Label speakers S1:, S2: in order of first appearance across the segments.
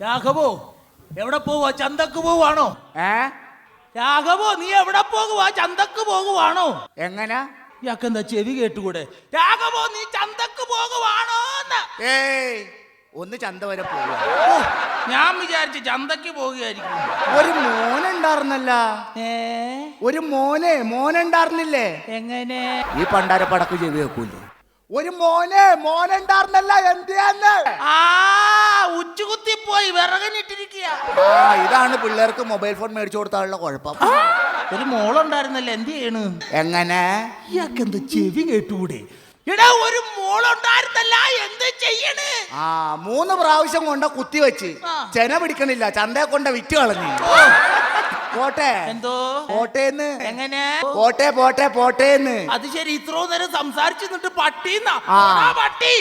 S1: രാഘവോ എവിടെ പോവാ? ചന്തക്ക് പോവാണോ? രാഘവോ നീ എവിടെ പോകുവാ? ചന്തക്ക് പോകുവാണോ?
S2: എങ്ങനെ?
S1: ഇയാക്കെന്താ ചെവി കേട്ടുകൂടെ? രാഘവോ നീ ചന്തക്ക് പോകുവാണോ?
S2: ഏയ് ഒന്ന് ചന്ത വരെ പോവുക.
S1: ഞാൻ വിചാരിച്ചു ചന്തക്ക് പോകുകയായിരിക്കും.
S2: ഒരു മോനുണ്ടായിരുന്നല്ല. ഒരു മോനുണ്ടായിരുന്നില്ലേ?
S1: എങ്ങനെ?
S2: ഈ പണ്ടാര പടക്ക് ചെവി വെക്കൂല്ലേ? ഒരു മോനുണ്ടായിരുന്നല്ല. എന്തിയാന്ന്?
S1: ഉച്ചുകുത്തിപ്പോയി വിറകനിട്ടിരിക്കുക.
S2: ഇതാണ് പിള്ളേർക്ക് മൊബൈൽ ഫോൺ മേടിച്ചു കൊടുത്താലുള്ള കുഴപ്പം.
S1: ഒരു മോളുണ്ടായിരുന്നല്ലേ, എന്ത് ചെയ്യണ്?
S2: എങ്ങനെ?
S1: ഇയാക്കെന്താ ചെവി കേട്ടുകൂടെ? എടാ ഒരു മോളുണ്ടായിരുന്നല്ല, എന്ത് ചെയ്യണ്?
S2: 3 പ്രാവശ്യം കൊണ്ട് കുത്തി വെച്ച് ചെന പിടിക്കണില്ല. ചന്തയെ കൊണ്ട് വിറ്റ് കളഞ്ഞു. പോട്ടെ.
S1: എന്തോ
S2: പോട്ടേന്ന്?
S1: എങ്ങനെ?
S2: പോട്ടേന്ന്.
S1: അത് ശരി. ഇത്രോ നേരം സംസാരിച്ചു നിന്നിട്ട് പട്ടിന്നാ? പട്ടി.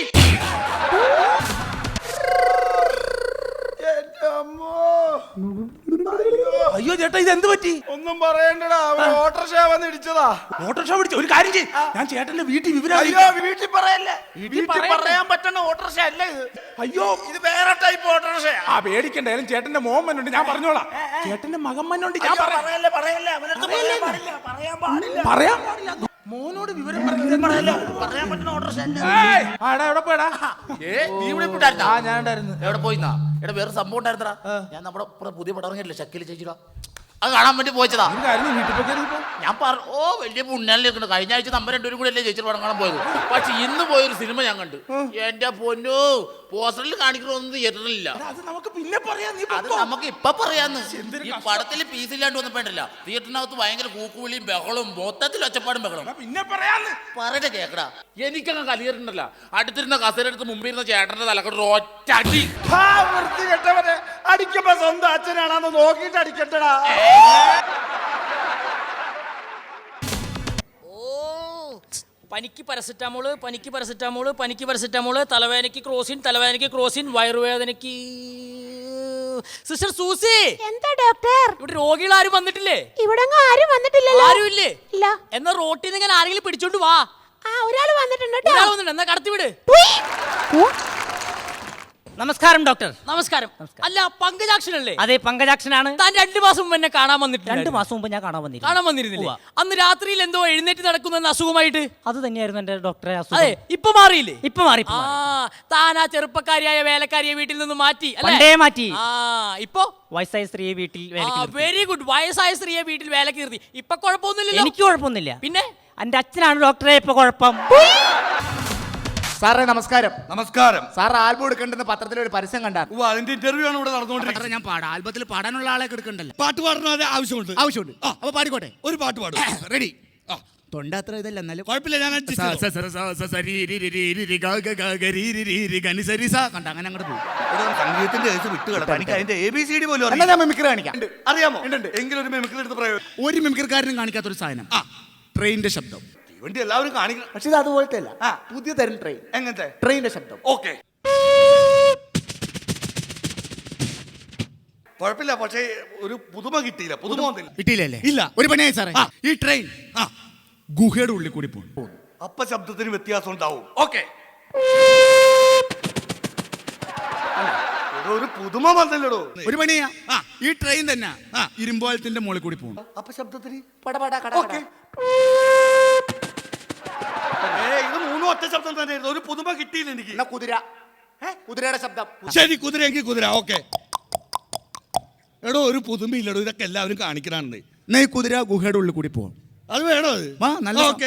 S1: അയ്യോ ചേട്ടാ, ഇത് എന്ത് പറ്റി?
S3: ഒന്നും പറയണ്ടടാ, ഓട്ടോറിക്ഷ വന്ന് ഇടിച്ചതാ.
S1: ഓട്ടോറിക്ഷ പിടിച്ചു. ഒരു കാര്യം ചെയ്യ്, ഞാൻ ചേട്ടന്റെ വീട്ടിൽ വിവരം.
S3: വീട്ടിൽ പറയല്ലേ, വീട്ടിൽ പറയാൻ പറ്റുന്ന ഓട്ടോറിക്ഷ അല്ല ഇത്.
S1: അയ്യോ ഇത്
S3: വേറെ ടൈപ്പ് ഓട്ടോറിക്ഷ.
S1: പേടിക്കണ്ടായാലും ചേട്ടന്റെ മോൻ മനുണ്ട്, ഞാൻ പറഞ്ഞോളാം. ചേട്ടന്റെ മകൻ മനുണ്ട്, ഞാൻ
S3: പറയല്ലേ.
S1: പറയാൻ പാടില്ല. മോനോട് വിവരം
S3: പറയാൻ പറ്റുന്ന ഓട്ടോറിക്ഷ അല്ല.
S1: എവിടെ പോയടാ?
S3: നീ ഇവിടെ ഇട്ടായിരുന്നാ?
S1: ഞാൻ ഉണ്ടായിരുന്നു.
S3: എവിടെ പോയിന്നാ? എടാ വേറെ സംഭവം ഉണ്ടായിരുന്നടാ. ഞാൻ നമ്മുടെ പുതിയ പടം ഇറങ്ങിയില്ലേ, ഷക്കീൽ ചേച്ചിടാ, അത് കാണാൻ വേണ്ടി പോയതാ. ഞാൻ വലിയ പുണ്യാലിരിക്കുന്നു. കഴിഞ്ഞ ആഴ്ച നമ്മൾ 2 കൂടെ അല്ലേ ചേച്ചി പടം കാണാൻ പോയത്. പക്ഷെ ഇന്ന് പോയൊരു സിനിമ ഞാൻ കണ്ടു. എന്റെ പൊന്നോ, പോസ്റ്ററിൽ കാണിക്കണമെന്ന് തിയേറ്ററിലില്ല.
S1: അത് നമുക്ക് പിന്നെ പറയാം.
S3: അത് നമുക്ക് ഇപ്പൊ പറയാന്ന്. ഈ പടത്തിൽ പീസില്ലാണ്ട് വന്നപ്പോണ്ടല്ല, തിയേറ്ററിനകത്ത് ഭയങ്കര കൂക്കുവിളിയും ബഹളവും, മൊത്തത്തിൽ ഒച്ചപ്പാടും ബഹളം.
S1: പിന്നെ പറയാന്ന്
S3: പറയട്ടെ കേക്കടാ. എനിക്കങ്ങ് കലിയറുണ്ടല്ല, അടുത്തിരുന്ന കസേരടുത്ത് മുമ്പിരുന്ന ചേട്ടന്റെ തലക്കോട്ട് ഒറ്റ അടി.
S4: അടിക്കുമ്പോ സ്വന്തം അച്ഛനാണെന്ന് നോക്കിയിട്ട് അടിക്കട്ടടാ.
S5: പനിക്ക് പാരസെറ്റാമോള്, തലവേദനയ്ക്ക് ക്രോസിൻ, വയറുവേദനയ്ക്ക് സിസ്റ്റർ സൂസി.
S6: എന്താ ഡോക്ടർ?
S5: ഇവിടെ രോഗികൾ ആരും വന്നിട്ടില്ലേ?
S6: ഇവിടെ ആരും വന്നിട്ടില്ലല്ലോ.
S5: ആരും ഇല്ലേ?
S6: ഇല്ല.
S5: എന്നാ റോട്ടിൽ നിന്ന് ഇങ്ങനെ ആരെങ്കിലും പിടിച്ചോണ്ട് വാ.
S6: ഒരാൾ വന്നിട്ടുണ്ട്.
S5: എന്നാ കടത്തിവിട്.
S7: നമസ്കാരം ഡോക്ടർ.
S5: നമസ്കാരം. അല്ല പങ്കജാക്ഷനല്ലേ?
S7: അതെ, പങ്കജാക്ഷനാണ്.
S5: താൻ 2 മാസം മുമ്പ് എന്നെ കാണാൻ വന്നിട്ട്.
S7: 2 മാസം മുമ്പ് ഞാൻ കാണാൻ
S5: വന്നിരുന്നില്ലേ? അന്ന് രാത്രിയിൽ എന്തോ എഴുന്നേറ്റ് നടക്കുന്ന അസുഖമായിട്ട്.
S7: അത് തന്നെയായിരുന്നു എന്റെ ഡോക്ടറെ അസുഖം.
S5: അതെ, ഇപ്പൊ മാറിയില്ലേ?
S7: ഇപ്പൊ മാറി.
S5: താൻ ആ ചെറുപ്പക്കാരിയായ വേലക്കാരിയെ വീട്ടിൽ നിന്ന് മാറ്റി
S7: മാറ്റി.
S5: ഇപ്പൊ
S7: വയസ്സായ സ്ത്രീയെ വീട്ടിൽ.
S5: Very good. വയസ്സായ സ്ത്രീയെ വീട്ടിൽ വേലക്ക് നിർത്തി. ഇപ്പൊ കുഴപ്പമൊന്നുമില്ലല്ലോ?
S7: എനിക്ക് കുഴപ്പമൊന്നുമില്ല.
S5: പിന്നെ
S7: എന്റെ അച്ഛനാണ് ഡോക്ടറെ ഇപ്പൊ കുഴപ്പം.
S2: സാറേ നമസ്കാരം.
S4: നമസ്കാരം.
S2: സാർ ആൽബം എടുക്കേണ്ടെന്ന് പത്രത്തിലൊരു പരസ്യം കണ്ടായിരുന്നു.
S4: അതിന്റെ ഇന്റർവ്യൂ ആണ് ഇവിടെ നടന്നുകൊണ്ടിരിക്കുന്നത്.
S3: ഞാൻ പാടാം. ആൽബത്തിൽ പാടാനുള്ള ആളെ എടുക്കണ്ടല്ലോ.
S4: പാട്ട് പാടുന്നത് ആവശ്യമുണ്ട്.
S3: അപ്പൊ പാടിക്കോട്ടെ.
S4: ഒരു പാട്ട് പാടും.
S3: റെഡി. തൊണ്ട അത്ര ഇതല്ല, എന്നാലും
S4: കുഴപ്പമില്ല. ഞാൻ
S3: കണ്ട അങ്ങനെ അങ്ങോട്ട് പോകും.
S4: സംഗീതത്തിന്റെ വിട്ട് കിടക്കാം. എനിക്ക് അതിന്റെ ABCD പോലും
S2: ഞാൻ മിമിക്രി കാണിക്കാം.
S4: അറിയാമോ? എങ്കിലും ഒരു മിമിക്രി എടുത്ത് പ്രയോഗം.
S3: ഒരു മിമിക്രിക്കാരനും കാണിക്കാത്തൊരു സാധനം, ട്രെയിനിന്റെ ശബ്ദം.
S4: വണ്ടി എല്ലാവരും കാണിക്കണം.
S2: പക്ഷെ ഇത് അതുപോലത്തെ അല്ല. പുതിയ തരം ട്രെയിൻ.
S4: എങ്ങനത്തെ
S2: ട്രെയിനിന്റെ ശബ്ദം?
S4: ഓക്കെ, കുഴപ്പമില്ല. പക്ഷേ ഒരു പുതുമ കിട്ടിയില്ല. പുതുമ വന്നില്ല.
S3: കിട്ടിയില്ലേ?
S4: ഇല്ല.
S3: ഒരു പണിയായി സാറേ, ഈ ട്രെയിൻ ഗുഹയുടെ ഉള്ളിൽ കൂടി പോകും.
S4: അപ്പ ശബ്ദത്തിന് വ്യത്യാസം ഉണ്ടാവും. ഓക്കെ, ഒരു പുതുമ വന്നില്ലടോ.
S3: ഒരു പണിയാ, ഈ ട്രെയിൻ തന്നെ ഇരുമ്പോലത്തിന്റെ മുകളിൽ കൂടി പോകും.
S4: അപ്പ ശബ്ദത്തിന് ഓക്കെ. ഇത് 3 ഒറ്റ ശബ്ദം തന്നെയായിരുന്നു. ഒരു പുതുമ കിട്ടിയില്ല എനിക്ക്.
S2: കുതിരയുടെ ശബ്ദം.
S4: ശരി, കുതിരയെങ്കിൽ കുതിര. ഓക്കെ. എടോ ഒരു പുതുമയില്ലടോ. ഇതൊക്കെ എല്ലാവരും കാണിക്കണാണ്.
S3: ഈ കുതിര ഗുഹയുടെ ഉള്ളിൽ കൂടി പോകും.
S4: അത് വേണോ?
S3: നല്ല.
S4: ഓക്കെ.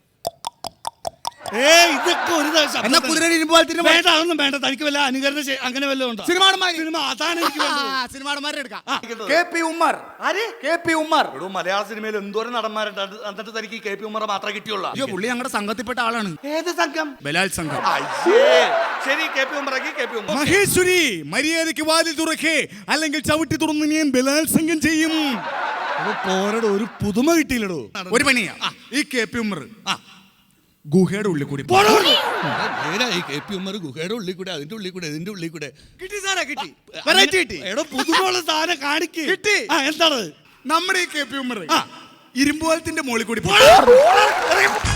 S4: ഇതൊക്കെ ഒരു
S3: കുതിര ഇരുമ്പോലത്തിന്റെ
S4: വേണ്ട. അതൊന്നും വേണ്ട. തനിക്ക് വല്ല അനുകരണ അങ്ങനെ വല്ലതും ഉണ്ടോ? സിനിമ അതാണ് എനിക്ക്
S3: സിനിമാടന്മാരെ എടുക്കാം.
S2: KP ഉമ്മർ.
S4: എടോ മലയാള സിനിമയിൽ എന്തോരം നടന്മാരുണ്ട്. എന്നിട്ട് തനിക്ക് KP ഉമ്മറെ മാത്രമേ കിട്ടിയുള്ളൂ.
S3: അയ്യോ, പുള്ളി ഞങ്ങളുടെ സംഘത്തിൽപ്പെട്ട ആളാണ്.
S4: ഏത് സംഘം?
S3: ബലാൽ സംഘം.
S4: ശരി, KP ഉമ്മറേക്ക് KP ഉമ്മർ.
S3: മഹേശ്വരി, മര്യാദയ്ക്ക് വാതിൽ തുറക്കേ, അല്ലെങ്കിൽ ചവിട്ടി തുറന്ന് ഞാൻ ബലാത്സംഗം ചെയ്യും.
S4: പോരടോ, ഒരു പുതുമ കിട്ടിയില്ലടോ.
S3: ഒരു പണിയാ, ഈ KP ഉമ്മർ ഗുഹയുടെ ഉള്ളിൽ കൂടി
S4: KP ഉമ്മർ ഗുഹയുടെ ഉള്ളിൽ കൂടെ, അതിന്റെ ഉള്ളിൽ കൂടെ, ഇതിന്റെ ഉള്ളിൽ കൂടെ.
S3: കിട്ടി സാറേ, കിട്ടി. വെറൈറ്റി കിട്ടി.
S4: എടോ പുതുമയുള്ള സാധനം കാണിക്ക്.
S3: കിട്ടി.
S4: എന്താണ്?
S3: നമ്മുടെ ഈ KP ഉമ്മർ ഇരുമ്പോലത്തിന്റെ മുകളിൽ കൂടി